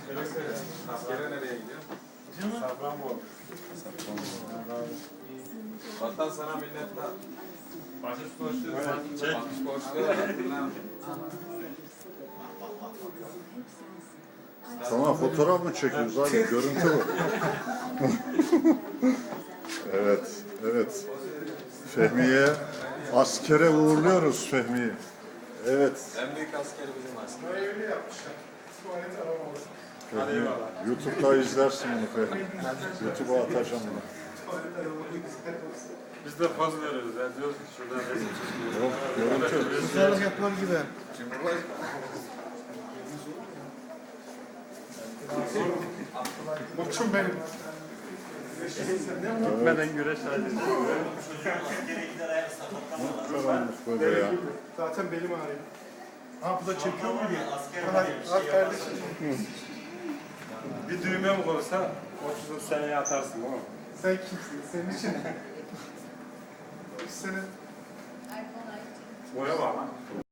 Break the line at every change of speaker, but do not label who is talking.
Askere nereye gidiyor?
Safranbolu.
Vatan sana minnettar.
Bahçesi borçlu.
Çek. Borçlu.
Tamam, fotoğraf mı çekiyoruz abi? Görüntü bu. Evet, evet. Fehmi'ye askere uğurluyoruz Fehmi'yi. Evet.
En büyük askeri bizim asker.
Öyle yapmışlar. Tuvalet aramalı.
Fehmi, YouTube'da izlersin bunu Fehmi. YouTube'a atacağım bunu.
Tuvalet aramalı güzel olsun.
Biz de poz veriyoruz. Yani diyoruz ki şuradan resim çekiyoruz.
Yok, görüntü.
Güzellik yapar gibi.
Koçum benim.
Gitmeden güreş halinde.
Karanlık böyle ya.
Zaten belim ağrıyor. Ha bu da çekiyor mu diye. Hadi kardeşim.
Bir düğme mi olsa 30 seneye atarsın değil mi?
Sen kimsin? Senin için. 3 sene
Boya var lan.